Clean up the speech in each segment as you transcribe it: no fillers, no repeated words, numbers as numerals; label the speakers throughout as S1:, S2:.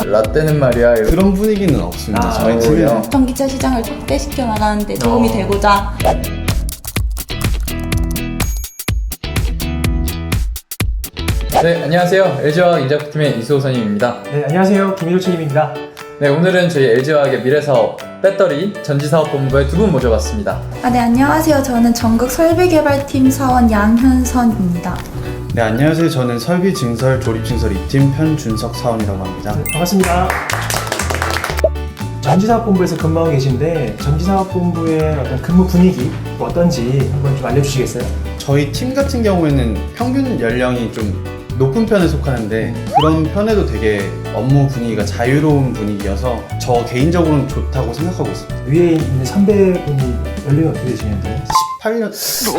S1: 라떼는 말이야
S2: 그런 분위기는 없습니다. 저희
S1: 팀이요.
S2: 팀은.
S3: 전기차 시장을 촉대시켜 나가는 데 도움이 되고자.
S1: 네, 안녕하세요. LG화학 인자부팀의 이수호선임입니다.
S4: 네, 안녕하세요. 김일호 책임입니다.
S1: 네, 오늘은 저희 LG화학의 미래사업 배터리 전지사업본부에 두 분 모셔봤습니다.
S3: 네, 안녕하세요. 저는 전국 설비개발팀 사원 양현선입니다.
S2: 네, 안녕하세요. 저는 설비 증설 조립 증설 2팀 편준석 사원이라고 합니다.
S4: 네, 반갑습니다. 전지사업본부에서 근무하고 계신데 전지사업본부의 어떤 근무 분위기 어떤지 한번 좀 알려주시겠어요?
S2: 저희 팀 같은 경우에는 평균 연령이 좀 높은 편에 속하는데 그런 편에도 되게 업무 분위기가 자유로운 분위기여서 저 개인적으로는 좋다고 생각하고 있습니다.
S4: 위에 있는 선배분이 연령이 어떻게 되시는데?
S2: 18년?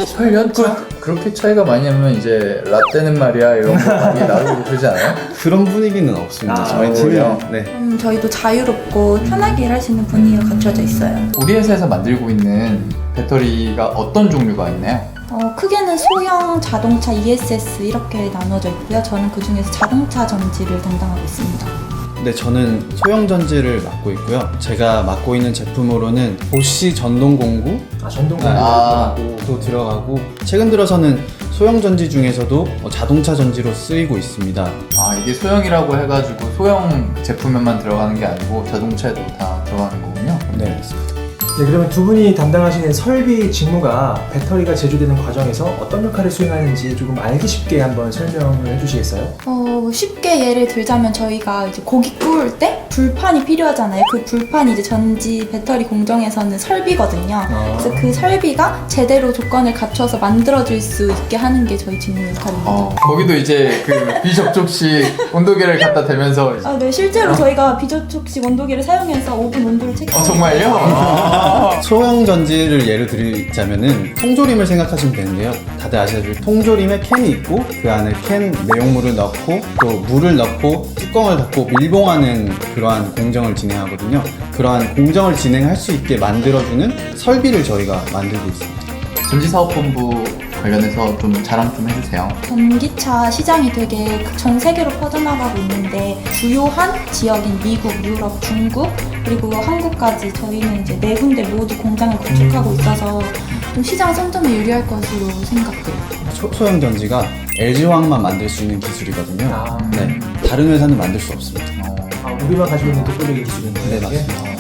S1: 18년? 그렇게 차이가 많이 나면 이제 라떼는 말이야 이런 거 많이 나오고 그러지 않아요?
S2: 그런 분위기는 없습니다. 저희
S1: 그래요?
S2: 팀은. 네.
S3: 저희도 자유롭고 편하게 일할 수 있는 분위기가 갖춰져 있어요.
S1: 우리 회사에서 만들고 있는 배터리가 어떤 종류가 있나요?
S3: 크게는 소형 자동차 ESS 이렇게 나눠져 있고요. 저는 그 중에서 자동차 전지를 담당하고 있습니다.
S2: 네, 저는 소형 전지를 맡고 있고요. 제가 맡고 있는 제품으로는 보쉬 전동 공구
S4: 전동
S1: 아.
S2: 도 들어가고 최근 들어서는 소형 전지 중에서도 자동차 전지로 쓰이고 있습니다.
S1: 아, 이게 소형이라고 해가지고 소형 제품에만 들어가는 게 아니고 자동차에도 다 들어가는 거군요.
S2: 네, 맞습니다.
S4: 네, 그러면 두 분이 담당하시는 설비 직무가 배터리가 제조되는 과정에서 어떤 역할을 수행하는지 조금 알기 쉽게 한번 설명을 해주시겠어요?
S3: 쉽게 예를 들자면 저희가 이제 고기 구울 때 불판이 필요하잖아요. 그 불판이 이제 전지 배터리 공정에서는 설비거든요. 그래서 그 설비가 제대로 조건을 갖춰서 만들어질 수 있게 하는 게 저희 직무 역할입니다.
S1: 거기도 이제 그 비접촉식 온도계를 갖다 대면서
S3: 네, 실제로 저희가 비접촉식 온도계를 사용해서 오븐 온도를 체크해요.
S1: 정말요?
S2: 소형 전지를 예를 들자면은 통조림을 생각하시면 되는데요. 다들 아시다시피 통조림에 캔이 있고 그 안에 캔 내용물을 넣고 또 물을 넣고 뚜껑을 닫고 밀봉하는 그러한 공정을 진행하거든요. 그러한 공정을 진행할 수 있게 만들어주는 설비를 저희가 만들고 있습니다.
S1: 전지사업본부 관련해서 좀 자랑 좀 해주세요.
S3: 전기차 시장이 되게 전 세계로 퍼져나가고 있는데 주요한 지역인 미국, 유럽, 중국 그리고 한국까지 저희는 이제 네 군데 모두 공장을 구축하고 있어서 좀 시장 선점에 유리할 것으로 생각돼요.
S2: 소형 전지가 LG화학만 만들 수 있는 기술이거든요. 네, 다른 회사는 만들 수 없습니다.
S4: 우리만 가지고 있는 독보적인 기술인데.
S2: 네, 맞습니다.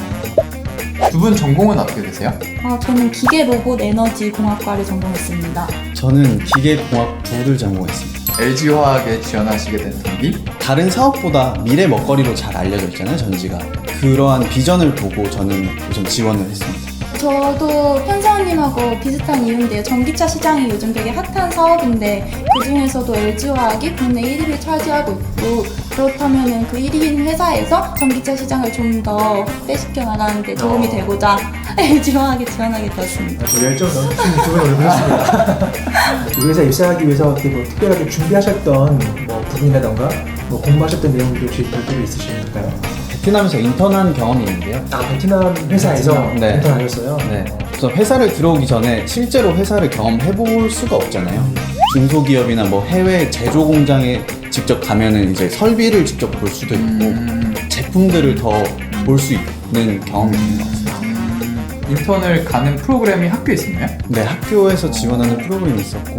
S1: 두 분 전공은 어떻게 되세요?
S3: 저는 기계 로봇 에너지 공학과를 전공했습니다.
S2: 저는 기계공학 부를 전공했습니다.
S1: LG화학에 지원하시게 된 동기?
S2: 다른 사업보다 미래 먹거리로 잘 알려져 있잖아요, 전지가. 그러한 비전을 보고 저는 우선 지원을 했습니다.
S3: 저도 편사원님하고 비슷한 이유인데요. 전기차 시장이 요즘 되게 핫한 사업인데 그 중에서도 LG화학이 국내 1위를 차지하고 있고 그렇다면 그 1위인 회사에서 전기차 시장을 좀 더 확대시켜 나가는 데 도움이 되고자 LG화학에 지원하게 되었습니다.
S4: 열정 넘치는 두 분을 보셨습니다. 우리 회사 입사하기 위해서 어떻게 뭐 특별하게 준비하셨던 뭐 부분이라던가 뭐 공부하셨던 내용들이 혹시 별도로 있으실까요?
S2: 베트남에서 인턴한 경험이 있는데요.
S4: 베트남 회사에서
S2: 네.
S4: 인턴하셨어요?
S2: 네. 그래서 회사를 들어오기 전에 실제로 회사를 경험해 볼 수가 없잖아요. 중소기업이나 뭐 해외 제조 공장에 직접 가면은 이제 설비를 직접 볼 수도 있고 제품들을 더 볼 수 있는 경험이 있는 것 같습니다.
S1: 인턴을 가는 프로그램이 학교에 있었나요?
S2: 네, 학교에서 지원하는 프로그램이 있었고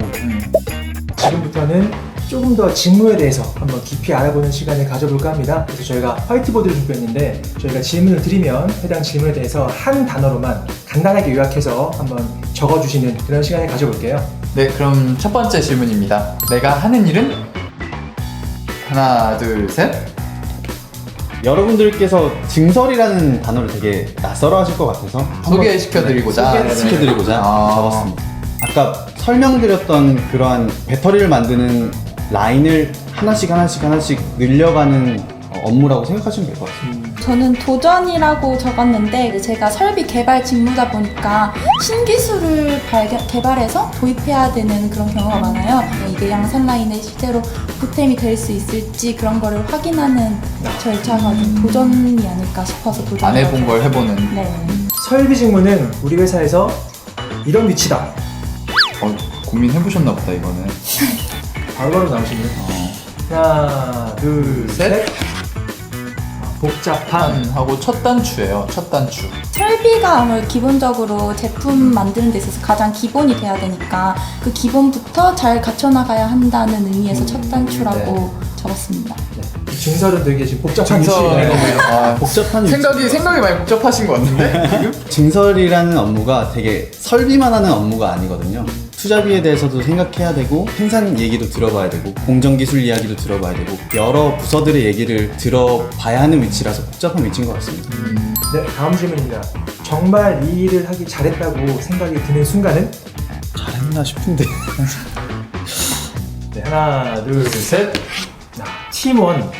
S4: 지금부터는 조금 더 직무에 대해서 한번 깊이 알아보는 시간을 가져볼까 합니다. 그래서 저희가 화이트보드를 준비했는데 저희가 질문을 드리면 해당 질문에 대해서 한 단어로만 간단하게 요약해서 한번 적어주시는 그런 시간을 가져볼게요.
S1: 네, 그럼 첫 번째 질문입니다. 내가 하는 일은? 하나, 둘, 셋.
S2: 여러분들께서 증설이라는 단어를 되게 낯설어 하실 것 같아서
S1: 소개시켜드리고자.
S2: 소개시켜드리고자 적었습니다. 아까 설명드렸던 그러한 배터리를 만드는 라인을 하나씩 늘려가는 업무라고 생각하시면 될 것 같습니다.
S3: 저는 도전이라고 적었는데 제가 설비 개발 직무다 보니까 신기술을 개발해서 도입해야 되는 그런 경우가 많아요. 이게 양산 라인에 실제로 보탬이 될 수 있을지 그런 거를 확인하는 절차가 좀 도전이 아닐까 싶어서 도전.
S1: 안 해본 걸 해보는.
S3: 네.
S4: 설비 직무는 우리 회사에서 이런 위치다.
S1: 고민해보셨나 보다 이거는.
S4: 바로바로 나오시네요. 하나, 둘,
S1: 셋.
S4: 셋. 복잡한.
S1: 하고 첫 단추예요. 첫 단추.
S3: 설비가 아무래도 기본적으로 제품 만드는 데 있어서 가장 기본이 돼야 되니까 그 기본부터 잘 갖춰나가야 한다는 의미에서 첫 단추라고 적었습니다.
S4: 증설은 되게 지금 복잡한
S1: 증설.
S4: 이슈예요.
S1: 아,
S2: 복잡한
S1: 생각이 많이 복잡하신 것 같은데 지금?
S2: 증설이라는 업무가 되게 설비만 하는 업무가 아니거든요. 투자비에 대해서도 생각해야 되고 생산 얘기도 들어봐야 되고 공정기술 이야기도 들어봐야 되고 여러 부서들의 얘기를 들어봐야 하는 위치라서 복잡한 위치인 것 같습니다.
S4: 네, 다음 질문입니다. 정말 이 일을 하기 잘했다고 생각이 드는 순간은?
S2: 잘했나 싶은데
S4: 네, 하나, 둘, 셋. 팀원.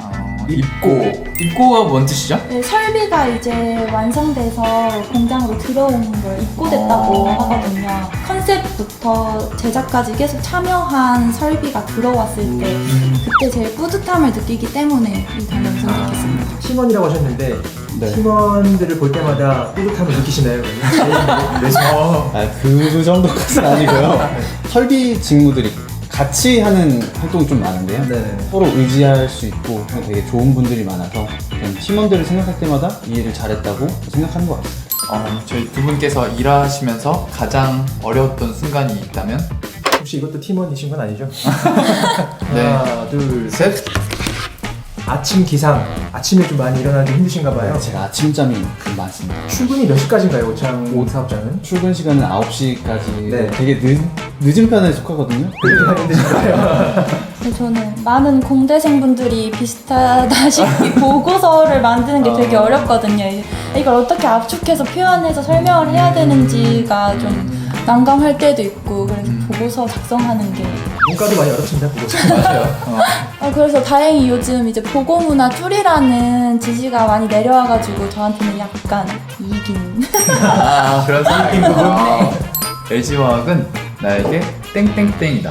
S1: 입고가 뭔 뜻이죠?
S3: 네, 설비가 이제 완성돼서 공장으로 들어오는 걸 입고됐다고 하거든요. 컨셉부터 제작까지 계속 참여한 설비가 들어왔을 때 그때 제일 뿌듯함을 느끼기 때문에 이 단어를 선택했습니다.
S4: 팀원이라고 하셨는데
S2: 네.
S4: 팀원들을 볼 때마다 뿌듯함을 느끼시나요? 그래서
S2: 그 정도까지는 아니고요. 설비 직무들이 같이 하는 활동이 좀 많은데요.
S4: 네.
S2: 서로 의지할 수 있고 되게 좋은 분들이 많아서 그냥 팀원들을 생각할 때마다 이 일을 잘했다고 생각하는 것 같습니다.
S1: 저희 두 분께서 일하시면서 가장 어려웠던 순간이 있다면?
S4: 혹시 이것도 팀원이신 건 아니죠?
S1: 네.
S4: 하나, 둘, 셋. 아침 기상. 아침에 좀 많이 일어나기 힘드신가 봐요.
S2: 제가 아침잠이 좀 많습니다.
S4: 출근이 몇 시까지인가요, 오창 사업장은?
S2: 출근 시간은 9시까지
S4: 네.
S2: 되게 늦은 편에 속하거든요.
S4: 그렇게 하기 힘드신가요?
S3: 저는 많은 공대생분들이 비슷하다시피 보고서를 만드는 게 되게 어렵거든요. 이걸 어떻게 압축해서 표현해서 설명을 해야 되는지가 좀 난감할 때도 있고 그래서 보고서 작성하는 게
S4: 문과도 많이 어렵습니다, 보고서.
S1: 맞아요.
S3: 그래서 다행히 요즘 이제 보고문화 줄이라는 지시가 많이 내려와가지고 저한테는 약간 이익인
S1: 그런 생각인 부분. LG화학은 나에게 땡땡땡이다.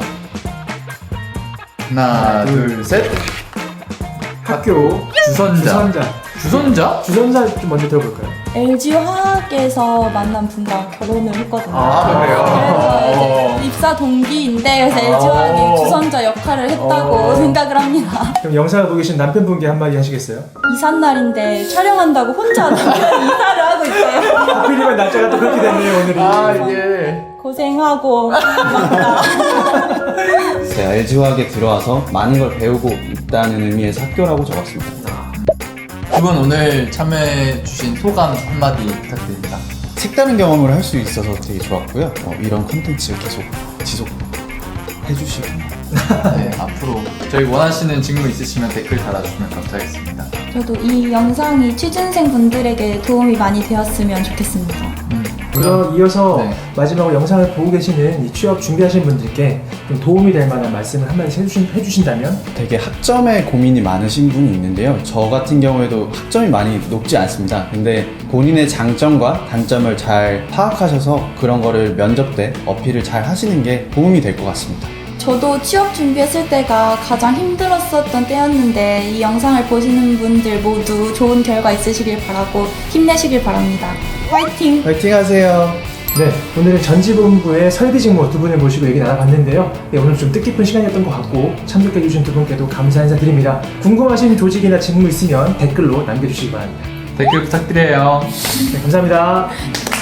S1: 하나, 둘, 셋.
S4: 학교
S1: 주선자.
S4: 주선자 좀 먼저 들어볼까요?
S3: LG화학에서 만난 분과 결혼을 했거든요.
S1: 그래요?
S3: 그래서 이제 입사 동기인데 그래서 LG화학이 주선자 역할을 했다고 생각을 합니다.
S4: 그럼 영상을 보고 계신 남편분께 한마디 하시겠어요?
S3: 이삿날인데 촬영한다고 혼자 남편 이사를 하고 있어요.
S4: 하필이면 날짜가 또 그렇게 됐네요, 오늘이.
S1: 이게.
S3: 고생하고 맞다.
S2: 제가 LG화학에 들어와서 많은 걸 배우고 있다는 의미에서 학교라고 적었습니다.
S1: 두 분 오늘 참여해주신 소감 한마디 부탁드립니다.
S2: 색다른 경험을 할 수 있어서 되게 좋았고요. 이런 컨텐츠 계속 지속해주시고
S1: 네, 앞으로 저희 원하시는 직무 있으시면 댓글 달아주시면 감사하겠습니다.
S3: 저도 이 영상이 취준생 분들에게 도움이 많이 되었으면 좋겠습니다.
S4: 그럼 이어서
S1: 네.
S4: 마지막으로 영상을 보고 계시는 이 취업 준비하시는 분들께 좀 도움이 될 만한 말씀을 한마디 해주신다면?
S2: 되게 학점에 고민이 많으신 분이 있는데요. 저 같은 경우에도 학점이 많이 높지 않습니다. 근데 본인의 장점과 단점을 잘 파악하셔서 그런 거를 면접 때 어필을 잘 하시는 게 도움이 될 것 같습니다.
S3: 저도 취업 준비했을 때가 가장 힘들었었던 때였는데 이 영상을 보시는 분들 모두 좋은 결과 있으시길 바라고 힘내시길 바랍니다. 화이팅!
S2: 파이팅 하세요.
S4: 네, 오늘은 전지본부의 설비 직무 두 분을 모시고 얘기 나눠봤는데요. 네, 오늘 좀 뜻깊은 시간이었던 것 같고 참석해주신 두 분께도 감사 인사드립니다. 궁금하신 조직이나 직무 있으면 댓글로 남겨주시기 바랍니다.
S1: 댓글 부탁드려요.
S4: 네, 감사합니다.